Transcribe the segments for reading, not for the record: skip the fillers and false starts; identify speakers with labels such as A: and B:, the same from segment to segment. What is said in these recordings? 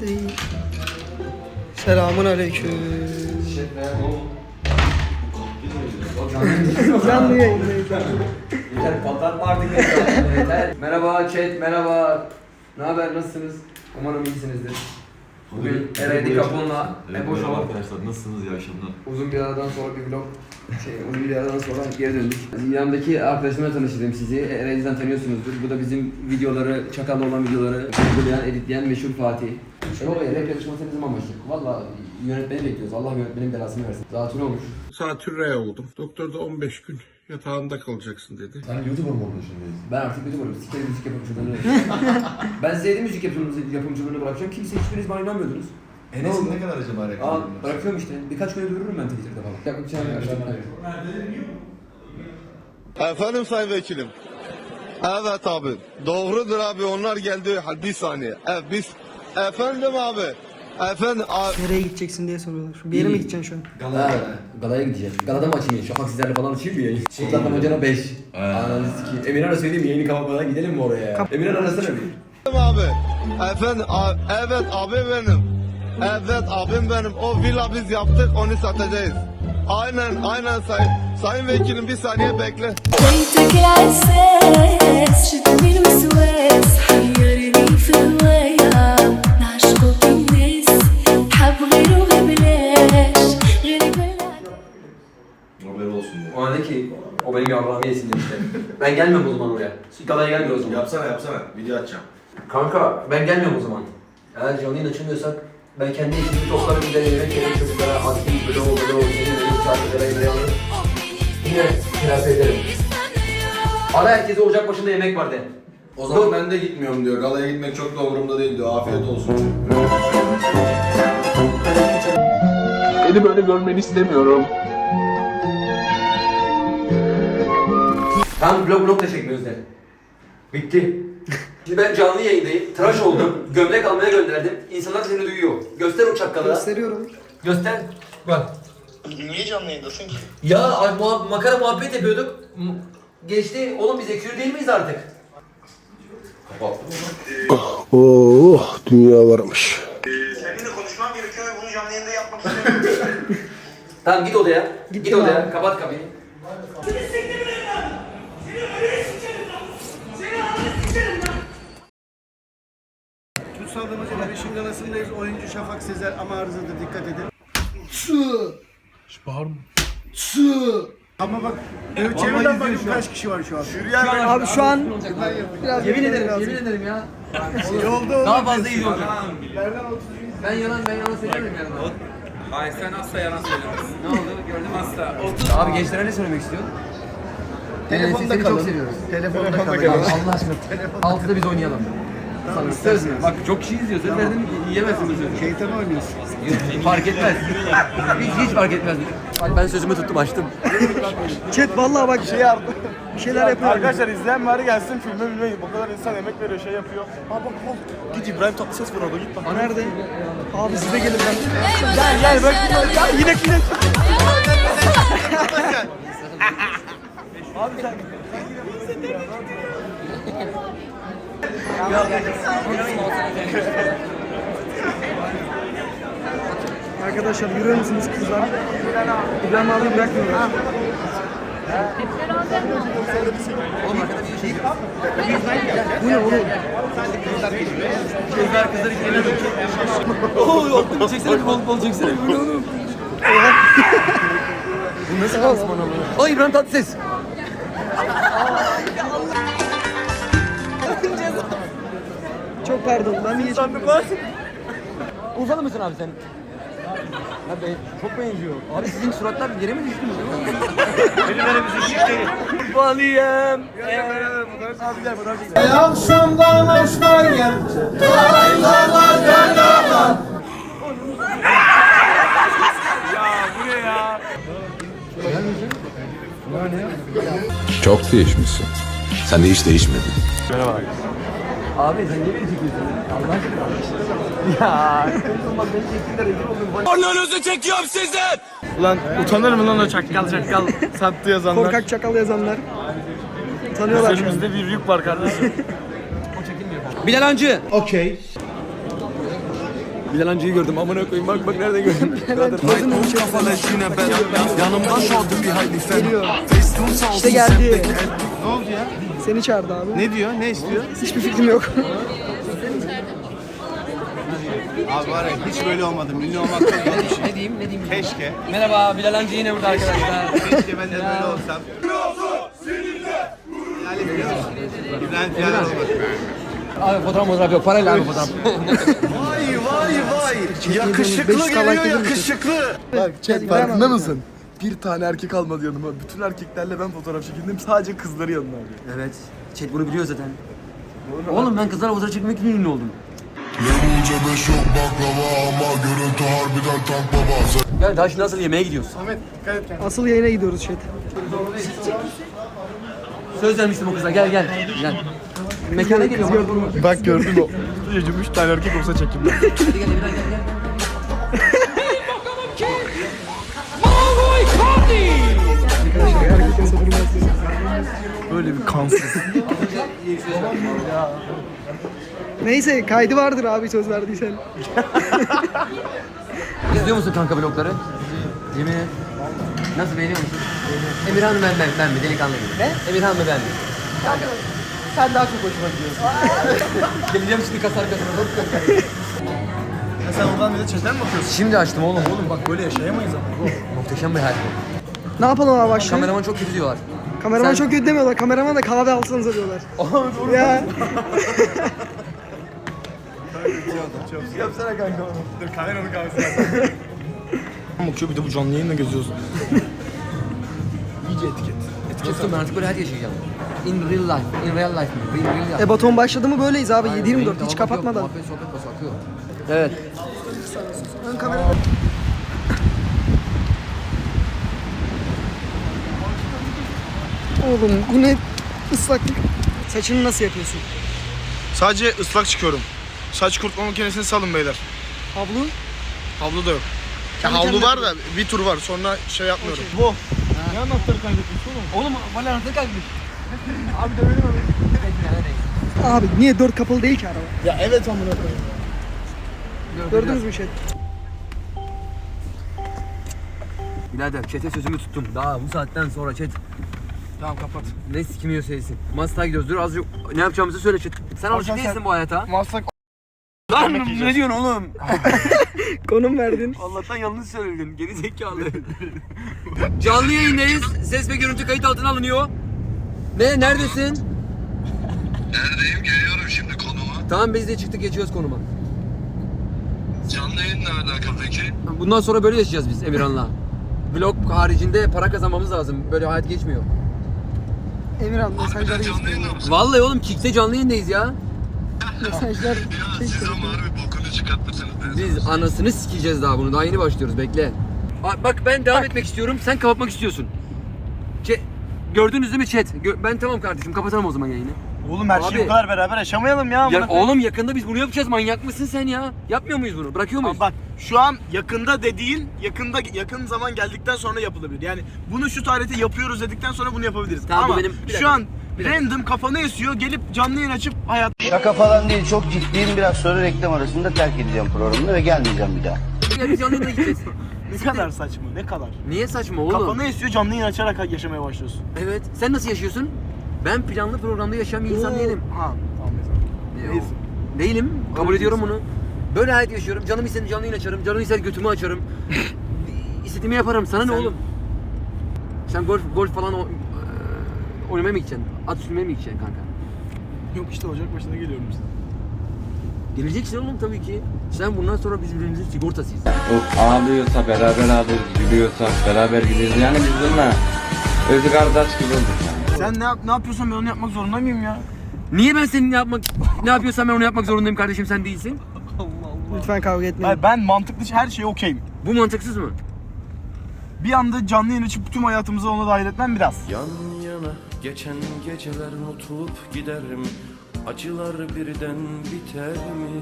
A: Selamun aleyküm. Canlı yayındayız.
B: Yeter patlatma artık yeter. Merhaba chat, merhaba. Ne haber, nasılsınız? Umarım iyisinizdir. Bugün Eray Kapon'la Ebo Show.
C: Arkadaşlar nasılsınız, iyi akşamlar.
B: Uzun bir aradan sonra bir vlog. Uzun bir aradan sonra geri döndük. Yanımdaki arkadaşımla tanıştırdım sizi. Eray'dan tanıyorsunuzdur. Bu da bizim videoları, Çakal'la olan videoları uygulayan, editleyen meşhur Fatih. Ebo Bey, rap yarışması ne zaman başlayacak? Valla yönetmeni bekliyoruz. Allah yönetmenin belasını versin. Zatürre olmuş.
D: Zatürre oldum. Doktor da 15 gün yatağında kalacaksın dedi.
C: Sen YouTuber mı oldun şimdi?
B: Ben artık YouTuber'ım. Sikerim müzik yapımcılığını. Ben size müzik yapımcılığını bırakacağım. Kimse hiçbiriniz bana inanmıyordunuz.
C: Enes'in ne kadar acaba reklamı?
B: Bırakıyorum işte. Birkaç gün öldürürüm ben Twitter'da falan. Yakın çağırıyor.
E: Efendim Sayın Vekilim. Evet abi. Doğrudur abi, onlar geldi. Hadi bir saniye. Biz... Efendim abi. Efendim abi.
A: Nereye gideceksin diye soruyorlar. Bir yere mi gideceksin şu an?
B: Galaya gideceğiz. Galada mı açayım? Şafak sizlerle falan açayım mı yayın? Kurtlar Damacana 5. Ananı sikeyim. Emirhan'a söyleyeyim mi? Yayını kapatmadan gidelim mi oraya? Emirhan arasana bir.
E: Abi. Efendim abi. Evet abi benim. Evet abim benim. O villa biz yaptık, onu satacağız. Aynen sayın vekilim, bir saniye bekle.
F: بيتك العساس شدني الوسواس حيرني في الهواية نعشقك الناس حب غيره ببلاش غيرك بلاش.
C: Haber olsun diye.
B: O dedi ki, o benim yavrağımı yesin demişler. Ben gelmiyorum o zaman oraya. Galaya gelmiyor o zaman.
C: Yapsana, video açacağım.
B: Kanka ben gelmiyorum o zaman. Eğer canlı yayın açılmıyorsak ben kendi ekibimi toplarım, bir de yemek yerim çocuklara, antik, bloğu, senin benim şarkılara yemeği alırım. Yine telafi ederim. Ara herkese ocak başında yemek var de.
C: O zaman ben de gitmiyorum diyor. Galaya gitmek çok da umurumda değil diyor. Afiyet olsun.
D: Beni böyle görmeni istemiyorum.
B: Tamam blok da çekmiyoruz de. Bitti. Şimdi ben canlı yayındayım, tıraş oldum, gömlek almaya gönderdim. İnsanlar seni duyuyor. Göster o çakkalı.
A: Gösteriyorum.
B: Göster. Bak.
E: Niye canlı yayındasın ki?
B: Ya makara muhabbet yapıyorduk. Geçti. Oğlum biz ekür değil miyiz artık?
C: Kapattım
D: Oh, dünya varmış.
E: Seninle konuşmam gerekiyor ve bunu canlı yayında yapmak istemiyorum.
B: Tamam git odaya. Git
A: Gittim
B: odaya.
A: abi.
B: Kapat kapıyı.
G: Kutsal Damacana 5. galasındayız. Oyuncu Şafak Sezer ama arızadır, dikkat edin. Ama bak, çevreden bakın kaç kişi var şu an.
A: Abi şu an biraz
B: Yemin
A: beklemek
B: ederim,
A: lazım.
B: yemin ederim ya.
G: Yolda
B: Daha fazla iyi olacak.
G: Nereden 30
B: Ben yalan söylemiyorum yani.
H: Hayır sen asla yalan söylemezsin.
B: Ne oldu? Gördüm
H: Asla.
B: Abi gençlere ne söylemek istiyorsun?
G: Telefonda
B: Seni
G: kalın.
B: çok seviyoruz.
G: Telefonda kalın.
B: Allah aşkına. Altıda biz oynayalım. Sana söz mü? Bak çok kişi izliyor. Söz verdim yiyemezsin bu sözü.
G: Şeytan oynuyorsun.
B: Fark etmez. Hiç fark etmez. Ben sözümü tuttum, açtım.
A: Chat vallahi bak bir şeyler yapıyor.
I: Arkadaşlar izleyen bari gelsin filme bilmeyin. Bu kadar insan emek veriyor, şey yapıyor. Bak. Git İbrahim Tatlıses var orada, git bak.
A: Nerede? Abi size gelin ben.
I: Gel bak.
A: Ya yine Arkadaşlar yürüyor musunuz kızlar? İbrahim abi bırakmıyorlar.
B: Oğlum arkada bir şey var.
A: Bu ne oğlum?
B: Kızlar içine döküyor. Oo, altını çeksene bir bol çeksene. Bu ne oğlum? Bu nasıl lansman ama? O İbrahim Tatlıses.
A: Çok pardon ben niye
B: Urfalı mısın abi sen? Ha be, çok benziyor. Abi sizin suratlar yere mi düştü? Benim bir şişleri. Urfalıyım.
G: Akşamdan hoşlar gel.
J: Çok değişmişsin. Sen de hiç değişmedin.
B: Abi sen niye beni çekiyorsun? Allah aşkına. Ya, bak beni çektiler, rezil oldum.
E: Ananızı çekiyorum sizden.
I: Ulan utanır mı lan o çakkal sattı yazanlar?
A: korkak çakal yazanlar tanıyorlar şu an.
I: Üzerimizde bir yük var kardeşim.
B: Bilal Hancı.
G: Okey.
B: Bilal amcayı gördüm. Amına koyayım bak nereden gördüm.
A: Geliyor. İşte geldi.
G: Ne oldu ya?
A: Seni çağırdı abi.
G: Ne diyor? Ne istiyor?
A: Hiçbir fikrim yok.
G: Abi var ya hiç böyle olmadım. Ünlü olmak çok zor bir şey.
B: Ne diyeyim?
G: Keşke.
B: Merhaba Bilal amca yine burada arkadaşlar.
G: Keşke ben de böyle olsam. İbrahim Fiyalar olmak.
B: Abi fotoğraf yok. Parayla abi fotoğraf.
E: Vay. Yakışıklı
A: 500
E: geliyor
A: kalak gelir misin?
E: yakışıklı.
I: Bak chat
A: Hadi
I: farkında
A: İbrahim
I: mısın? Bir tane erkek almadı yanıma. Bütün erkeklerle ben fotoğraf çekindim. Sadece kızları yanına alıyor.
B: Evet. Chat bunu biliyor zaten. Oğlum ben kızlarla fotoğraf çekmek için ünlü oldum. Gel daha şimdi nasıl yemeğe gidiyoruz?
A: Asıl yayına gidiyoruz chat.
B: Söz vermiştim o kıza gel. Mekana geliyorum.
I: Bak gördün o. 3 tane erkek olsa çekim.
B: Hadi gel Emirhan gel.
I: Böyle bir kansız.
A: Neyse kaydı vardır abi söz verdiysen.
B: İzliyor musun kanka vlogları? Yemin et. Nasıl beğeniyor musun? Emirhan mı ben mi? Delikanlı gibi. Ne? Emirhan mı ben mi? Kanka. Sen daha çok hoşuma gidiyorsun. Geleceğim şimdi kas arkasına.
I: Ya sen oradan bir de chatten mi bakıyorsun?
B: Şimdi açtım oğlum.
I: Bak böyle yaşayamayız ama.
B: Muhteşem bir hayat bu.
A: Ne yapalım abi başlayalım?
B: Kameraman çok kötü diyorlar.
A: Kameraman
B: Sen-
A: çok kötü demiyorlar. Kameraman da kahve alsanıza diyorlar. Ya.
I: Yapsana kanka onu. Dur kameranın kahvesi bakıyor bir de bu canlı yayınla geziyoruz. İyice etiket.
B: Kestim ben artık böyle hayat yaşayacağım. In real life. In real life mi? In real life.
A: Baton başladı mı böyleyiz abi. 7-24
B: Benim
A: hiç
B: muhabbet
A: kapatmadan.
B: yok, muhabbet, sohbet bası akıyor. Evet.
A: Ön kamera. Oğlum bu ne ıslaklık. Saçını nasıl yapıyorsun?
I: Sadece ıslak çıkıyorum. Saç kurutma makinesini salın beyler.
A: Havlu?
I: Havlu da yok. Ya
A: Kendi
I: havlu
A: kendine
I: var da bir tur var sonra şey yapmıyorum. Bu. Ne anahtarı kaybetmiş oğlum?
B: Oğlum bana anahtarı kaybetmiş.
A: Abi niye 4 kapalı değil ki araba?
I: Ya evet amına koyayım.
A: Gördünüz mü şey?
B: Birader chat'e sözümü tuttum. Daha bu saatten sonra chat.
I: Tamam kapat.
B: Ne sikimiyor seysin. Maslak'a gidiyoruz. Dur azıcık ne yapacağımızı söyle chat. Sen alışık değilsin bu hayata.
I: Maslak
B: Lan ne diyorsun oğlum?
A: Konum verdin.
B: Allah'tan yanlış söyledin. Geri zekalı. Canlı yayındayız. Ses ve görüntü kayıt altına alınıyor. Ne? Neredesin?
E: Neredeyim? Geliyorum şimdi konuma.
B: Tamam biz de çıktık geçiyoruz konuma.
E: Canlı yayınla alakalı peki?
B: Bundan sonra böyle yaşayacağız biz Emirhan'la. Vlog haricinde para kazanmamız lazım. Böyle hayat geçmiyor.
A: Emirhan mesajları
E: Canlı
A: istiyor.
E: yayınla mısın?
B: Vallahi oğlum Kick'te canlı yayındayız ya.
A: Mesajlar.
E: Ya siz ama harbi bokunu çıkartırsınız.
B: Biz anasını sikeceğiz daha bunu. Daha yeni başlıyoruz. Bekle. Bak ben devam etmek istiyorum. Sen kapatmak istiyorsun. Gördünüz değil mi chat? Ben tamam kardeşim. Kapatalım o zaman yayını.
I: Oğlum her
B: Abi.
I: şeyi bu kadar beraber yaşamayalım ya.
B: Ya oğlum yakında biz bunu yapacağız. Manyak mısın sen ya? Yapmıyor muyuz bunu? Bırakıyor muyuz?
I: Bak şu an yakında de değil, yakın zaman geldikten sonra yapılabilir. Yani bunu şu tarihte yapıyoruz dedikten sonra bunu yapabiliriz.
B: Tamam, bu
I: Ama
B: benim- bir dakika,
I: şu an
B: bir dakika.
I: random kafanı esiyor, gelip canlı yayın açıp hayat...
K: Şaka falan değil, çok ciddiyim. Biraz sonra reklam arasında terk edeceğim programını ve gelmeyeceğim bir daha.
B: Ya biz canlı yayına gideceğiz.
I: Ne kadar saçma, ne kadar.
B: Niye saçma oğlum?
I: Kafanı esiyor, canlı yayın açarak yaşamaya başlıyorsun.
B: Evet. Sen nasıl yaşıyorsun? Ben planlı programda yaşayan bir insan değilim.
I: Ha, tamam mesela. Değilsin.
B: Değilim. Kabul
I: Öyle
B: ediyorum
I: diyorsun.
B: bunu. Böyle hayat yaşıyorum. Canım ister canlı yayın açarım. Canım ister götümü açarım. İstediğimi yaparım. Sana ne oğlum? Sen golf falan oynamaya mı gideceksin? At sürmeye mi gideceksin kanka?
I: Yok işte Ocak başında geliyorum işte.
B: Geleceksin oğlum tabii ki. Sen bundan sonra biz birbirimizin sigortasıyız.
L: O ağlıyorsa beraber ağlıyoruz, gülüyorsa beraber gülüyoruz. Yani biz bununla özü kardeş gibi olduk yani.
I: Sen ne yapıyorsan ben onu yapmak zorunda mıyım ya?
B: Niye ben senin ne yapıyorsam ben onu yapmak zorundayım kardeşim, sen değilsin?
A: Lütfen kavga etmeyin.
I: Hayır, ben mantıklı her şeye okeyim.
B: Bu mantıksız mı?
I: Bir anda canlı yayın açıp tüm hayatımızı ona dahil etmem biraz.
M: Yan yana geçen geceler unutulup giderim. Acılar birden biter mi?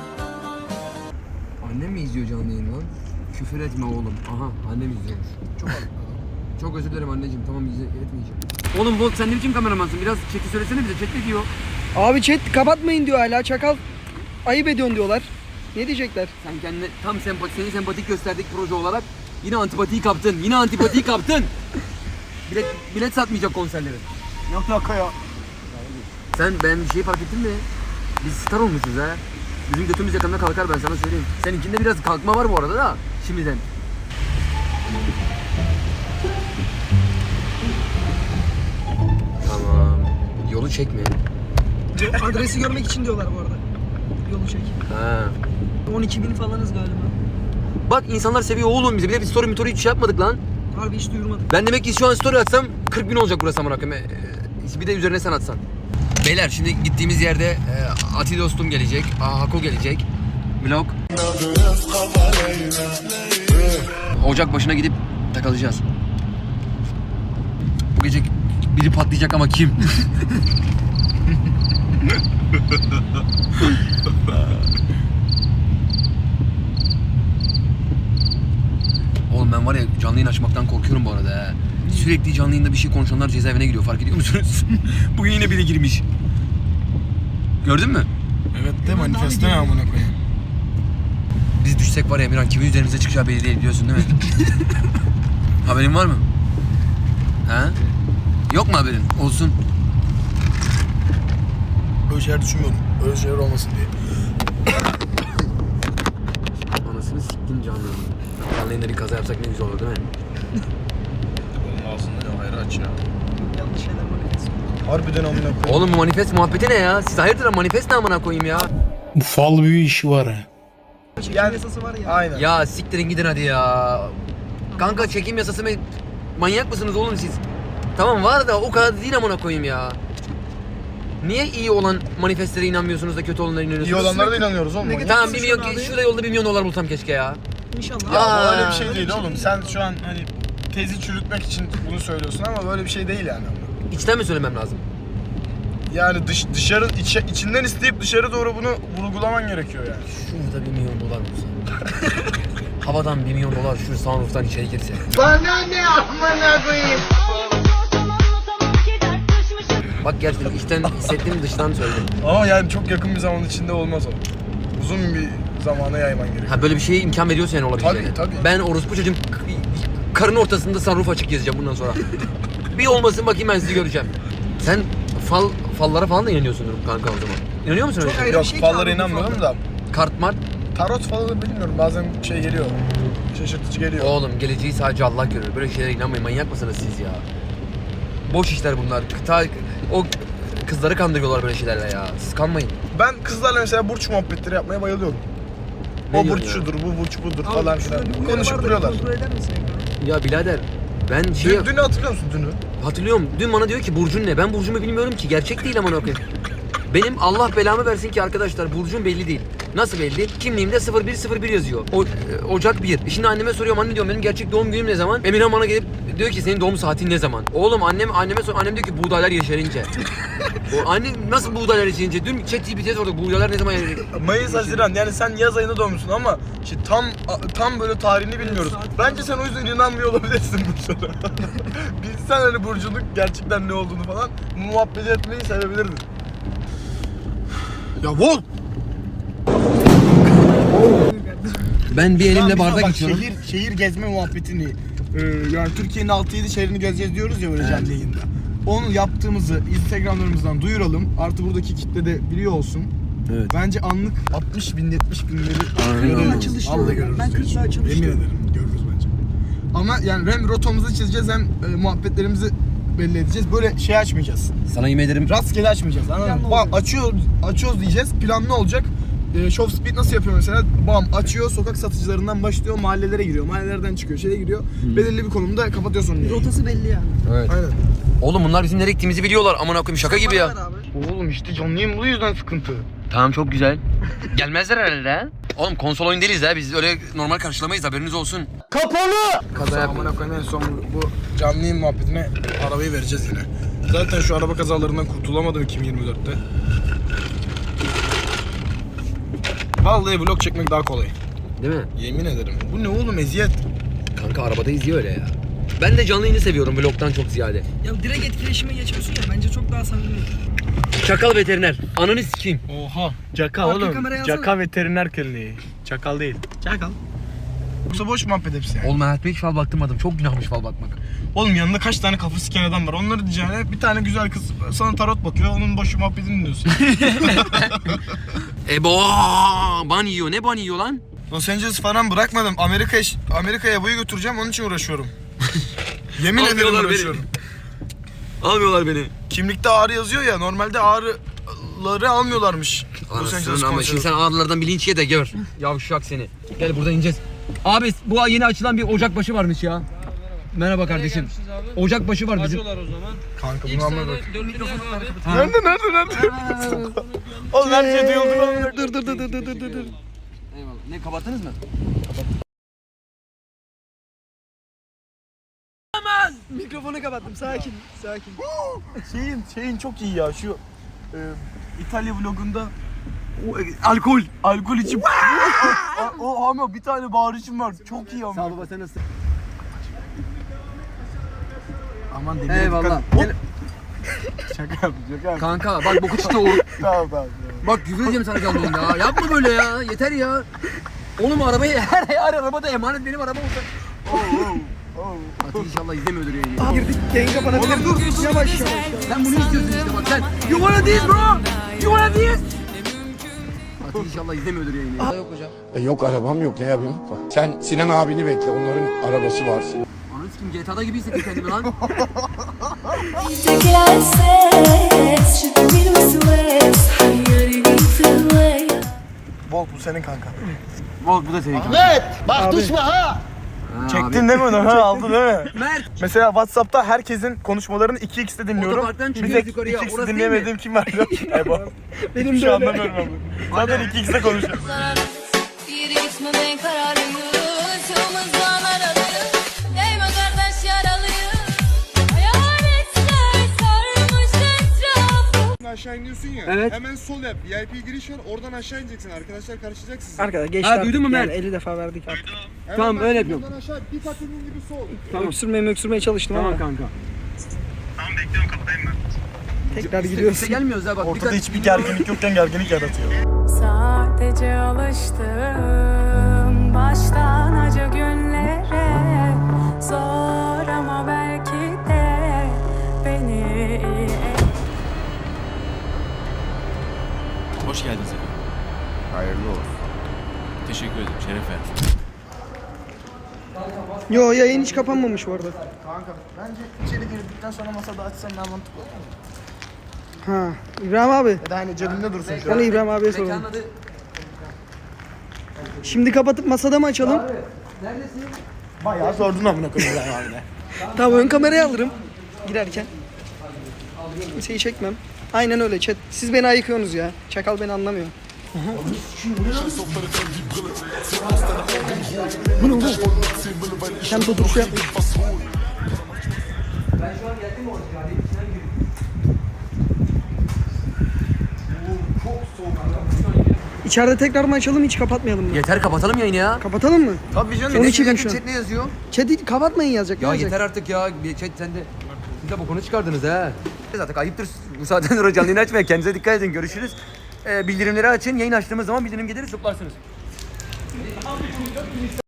B: Annem mi izliyor canlı yayını lan? Küfür etme oğlum. Aha annem izliyormuş. Çok özür dilerim anneciğim, tamam etmeyeceğim. Oğlum Volt sen ne biçim kameramansın? Biraz chat'i söylesene bize, chat ne diyor?
A: Abi chat kapatmayın diyor hala çakal. Ayıp ediyorsun diyorlar. Ne diyecekler?
B: Sen kendine tam seni sempatik gösterdik proje olarak yine antipatiyi kaptın. Yine antipatiyi kaptın. Bilet satmayacak konserlerin.
I: Yok ya.
B: Ben bir şey fark ettin mi? Biz star olmuşuz ha. Bizim götümüz yakında kalkar ben sana söyleyeyim. Seninkinde biraz kalkma var bu arada da şimdiden. Tamam. Yolu çekme.
A: Adresi görmek için diyorlar bu arada. Yolu çek.
B: Ha.
A: 12.000 falanız galiba.
B: Bak insanlar seviyor oğlum bizi. Bir de bir story hiç şey yapmadık lan.
A: Harbi hiç duyurmadık.
B: Ben demek ki şu an story atsam 40.000 olacak burası amına koyayım. Bir de üzerine sen atsan. Beyler şimdi gittiğimiz yerde Ati dostum gelecek, Hako gelecek. Vlog. Ocak başına gidip takılacağız. Bu gece biri patlayacak ama kim? Oğlum ben var ya canlı yayın açmaktan korkuyorum bu arada ha. Sürekli canlı yayında bir şey konuşanlar cezaevine giriyor, fark ediyor musunuz? Bugün yine biri girmiş. Gördün mü?
I: Evet de manifeste ne amına koyayım.
B: Biz düşsek var ya Emirhan kimin üzerimize çıkacağı belli değil biliyorsun değil mi? Haberin var mı? Ha? Yok mu haberin? Olsun.
I: Öyle şeyler düşünmüyorum. Öyle şeyler olmasın diye.
B: Anasını siktin canlı. Canlı yayında bir kaza yapsak ne güzel olur değil mi?
C: Onun ağzında ya hayır aç ya.
A: Yanlış şeyler manifest.
I: Harbiden amına koyayım.
B: Oğlum bu manifest muhabbeti ne ya? Siz hayırdır manifest ne amına koyayım ya?
D: Bu fal büyü işi var ha.
A: Çekim
I: Gel.
A: yasası var ya.
I: Aynen.
B: Ya siktirin gidin hadi ya. Kanka çekim yasası mı? Manyak mısınız oğlum siz? Tamam var da o kadar değil amına koyayım ya. Niye iyi olan manifestlere inanmıyorsunuz da kötü olanlara inanıyorsunuz?
I: İyi olanlara da inanıyoruz oğlum.
A: Negatif
B: Tamam 1 milyon,
A: abi.
B: şurada yolda 1 milyon dolar bulsam keşke ya.
A: İnşallah.
I: Ya
B: Aa.
I: öyle bir şey değil oğlum. Sen şu an hani tezi çürütmek için bunu söylüyorsun ama böyle bir şey değil yani.
B: İçten mi söylemem lazım?
I: Yani içinden isteyip dışarı doğru bunu vurgulaman gerekiyor yani.
B: Şurada 1 milyon dolar bulsam. Havadan 1 milyon dolar şu sunroof'tan içeri girse.
E: Bana ne amına koyayım?
B: Bak gerçekten içten hissettiğim dıştan söyledim.
I: Ama yani çok yakın bir zaman içinde olmaz o. Uzun bir zamana yayman gerekiyor.
B: Ha böyle bir şeye imkan veriyorsa yani olabileceğine.
I: Tabii.
B: Ben orospu çocuğum karın ortasında sunroof açık gezeceğim bundan sonra. Bir olmasın bakayım ben sizi göreceğim. Sen fallara falan da inanıyorsundur kanka o zaman. İnanıyor musun öyle
A: Çok
B: şey?
A: ayrı
I: Yok
A: bir şey ki
I: fallara
A: abi bu
I: inanmıyorum
A: fallar.
I: da.
B: Kart mart.
I: Tarot falan bilmiyorum bazen şey geliyor. Şaşırtıcı geliyor.
B: Oğlum geleceği sadece Allah görür. Böyle şeylere inanmayın. Manyak mısınız siz ya? Boş işler bunlar. O kızları kandırıyorlar böyle şeylerle ya. Siz kanmayın.
I: Ben kızlarla mesela burç muhabbetleri yapmaya bayılıyorum.
B: Ne
I: O
B: diyorsun
I: burç
B: ya?
I: şudur, bu burç budur
A: Abi
I: falan
A: şurada
I: filan.
A: bir uyarı
I: Konuşup
A: var da
I: duruyorlar.
A: Kontrol eder misin ekranı?
B: Ya birader ben
I: Dünü hatırlıyor musun dünü?
B: hatırlıyorum. Dün bana diyor ki burcun ne? Ben burcumu bilmiyorum ki. Gerçek değil amına koyayım. Benim Allah belamı versin ki arkadaşlar burcum belli değil. Nasıl belli? Kimliğimde 0101 yazıyor. Ocak 1. Şimdi anneme soruyorum anne diyorum benim gerçek doğum günüm ne zaman? Emirhan bana gelip diyor ki senin doğum saatin ne zaman? Oğlum anneme sor. Annem diyor ki buğdaylar yeşerince. Anne nasıl buğdaylar yeşerince? Dün ChatGPT'ye sorduk buğdaylar ne zaman yeşerince?
I: Mayıs, Haziran yani sen yaz ayında doğmuşsun ama işte tam böyle tarihini bilmiyoruz. Bence sen o yüzden inanmıyor olabilirsin burçlara. Bilsen hani burcunun gerçekten ne olduğunu falan muhabbet etmeyi sevebilirdin. Ya vol!
B: Ben bir elimle bardak
I: Bak,
B: içiyorum.
I: şehir gezme muhabbetini yani Türkiye'nin 6-7 şehrini gezeceğiz diyoruz ya böyle canlı yayında. Onu yaptığımızı Instagram'larımızdan duyuralım. Artı buradaki kitle de biliyor olsun.
B: Evet.
I: Bence anlık 60 bin 70 binleri
B: Aynen.
A: Açılış
I: Vallahi
A: diyorum.
I: görürüz.
A: Ben 40 daha açılış
I: Yemin
A: diyorum.
I: ederim görürüz bence. Ama yani hem rotamızı çizeceğiz hem muhabbetlerimizi belli edeceğiz. Böyle şey açmayacağız.
B: Sana yemin ederim.
I: Rastgele açmayacağız. Anladın mı?
A: Planlı
I: Bam açıyoruz diyeceğiz. Planlı olacak. Show Speed nasıl yapıyor mesela? Bam açıyor, sokak satıcılarından başlıyor, mahallelere giriyor. Mahallelerden çıkıyor, şeye giriyor. Belirli bir konumda kapatıyor sonra.
A: Rotası belli yani.
B: Evet.
I: Aynen.
B: Oğlum bunlar bizim nereye gittiğimizi biliyorlar. Aman koyayım şaka gibi ya.
A: Bana ver abi.
I: Oğlum işte canlı yayın bu yüzden sıkıntı.
B: Tamam çok güzel. Gelmezler herhalde ha. Oğlum konsol oyun değiliz ha. Biz öyle normal karşılamayız haberiniz olsun. Kaza yapma.
I: Amına koyayım en son bu canlı yayın muhabbetine arabayı vereceğiz yine. Zaten şu araba kazalarından kurtulamadım 2024'te. Vallahi vlog çekmek daha kolay.
B: Değil mi?
I: Yemin ederim. Bu ne oğlum eziyet.
B: Kanka arabada izliyor öyle ya. Ben de canlı yayını seviyorum vlogdan çok ziyade.
A: Ya direkt etkileşime geçiyorsun ya bence çok daha samimi.
B: Çakal veteriner. Ananı sikeyim.
I: Oha. Caka
A: Arka
I: oğlum.
A: kameraya alsana.
I: Caka veteriner kliniği. Çakal değil.
A: Çakal.
I: Yoksa boş muhabbet hepsi yani.
B: Oğlum hayatımda hiç fal baktırmadım. Çok günahmış fal bakmak.
I: Oğlum yanında kaç tane kafa siken adam var. Onları diyeceğine bir tane güzel kız sana tarot bakıyor. Onun boş muhabbetini dinliyorsun.
B: Ban yiyor. Ne ban yiyor lan?
I: Los Angeles falan bırakmadım. Amerika'ya boyu götüreceğim. Onun için uğraşıyorum. Yemin ederim
B: Almıyorlar beni.
I: uğraşıyorum.
B: Almıyorlar beni.
I: Kimlikte ağrı yazıyor ya. Normalde ağrıları almıyorlarmış. Los Angeles
B: Anasını ama şimdi
I: konseri.
B: sen ağrılardan bir linç ye de gör. Yavşak seni. Gel buradan ineceğiz. Abi bu yeni açılan bir ocakbaşı varmış ya. Merhaba kardeşim. Ocakbaşı var bizim.
H: o zaman.
I: Kanka bunu anla bak.
B: Ha.
I: Nerede? Oğlum her şey duyuldu lan.
A: Dur.
B: Eyvallah. Ne kapattınız mı?
A: Mikrofonu kapattım. Sakin.
I: Şeyin çok iyi ya şu İtalya vlogunda alkol içip o ama bir tane bağırışım var. Çok iyi ama.
B: Sağ ol baba sen nasılsın?
I: Aman demire
B: Eyvallah.
I: dikkat. Şaka yaptım.
B: Kanka bak boku çıktı oğlum.
I: Tamam.
B: Bak küfür edeceğim sana canlı yayında ya. Yapma böyle ya. Yeter ya. Oğlum arabayı her arabada emanet benim arabam olsa. Fatih inşallah izlemiyordur yayını.
A: Girdik. Yayın kapanabilir. Dur. Yavaş.
B: Sen bunu istiyorsun işte bak sen. You wanna this bro? You wanna this? Fatih inşallah izlemiyordur yayını. Yok hocam.
D: Yok arabam yok ne yapayım? Sen Sinan abini bekle onların arabası var.
B: Ananı sikeyim GTA'da gibi hissettim kendimi lan.
F: يجيك العساس شدني الوسواس حيرني في الويا.
I: Volt bu senin kanka.
B: Volt bu da senin kanka.
K: Evet, bak düşme ha.
I: Çektin değil mi onu? Ha, aldın değil mi?
B: Mert.
I: Mesela WhatsApp'ta herkesin konuşmalarını 2x'te dinliyorum.
B: Otoparktan
I: Bir
B: çıkıyoruz
I: tek
B: yukarıya.
I: 2x'te
B: Orası
I: dinleyemediğim kim var biliyor musun? Ebo.
A: Benim
I: Hiçbir
A: de
I: şey
A: öyle.
I: anlamıyorum abi. Zaten 2x'te konuşuyorum.
F: Yeri gitmeden kararlıyım. Çığımızdan aralıyım. Değme kardeş yaralıyım. Hayaletler sarmış etrafı.
D: Aşağı iniyorsun ya.
B: Evet.
D: Hemen sol yap. VIP giriş var. Oradan aşağı ineceksin. Arkadaşlar karışacak sizi.
A: Arkadaşlar geçti.
B: Ha, duydun mu
A: yani
B: Mert?
A: 50 defa verdik artık.
D: Hemen
B: Tamam,
D: bak,
B: öyle yapıyorum.
D: Buradan aşağı bir kat inin gibi sol.
B: Tamam.
A: Öksürmeye çalıştım ama.
B: Kanka.
A: Tekrar
B: Biz
A: giriyorsun.
B: gelmiyoruz ha bak.
I: Ortada hiçbir gerginlik yokken gerginlik yaratıyor.
F: Sadece alıştım baştan acı günlere. Zor ama belki de beni
M: Hoş geldiniz efendim.
D: Hayırlı olsun.
M: Teşekkür ederim. Şeref verdiniz.
A: Yo yayın hiç kapanmamış bu arada.
I: Kanka bence içeri girdikten sonra masada açsan daha mantıklı olur mu?
A: Ha. İbrahim abi.
I: Ya da hani cebinde dursun şu an.
A: Onu İbrahim abiye soralım.
B: Mekanın adı...
A: Şimdi kapatıp masada mı açalım?
B: Neredesin?
I: Bayağı sordun amına koyayım ben abine.
A: Tamam ön kamerayı alırım girerken. Kimseyi çekmem. Aynen öyle chat. Siz beni ayıkıyorsunuz ya. Çakal beni anlamıyor. Bu ne bu? Sen tutuşu yap. İçeride tekrar mı açalım hiç kapatmayalım mı?
B: Yeter kapatalım yayını ya.
A: Kapatalım mı?
I: Tabii canım.
A: 12 bin şu an.
B: Chat ne yazıyor?
A: Chat'i kapatmayın yazacak.
B: Ya
A: ne yazacak?
B: yeter artık ya. Chat sen de... Siz de bokunu çıkardınız ha. Zaten ayıptır. Bu saatten sonra canlı yayın açmayın. Kendinize dikkat edin. Görüşürüz. Bildirimleri açın. Yayın açtığımız zaman bildirim gelir zıplarsınız.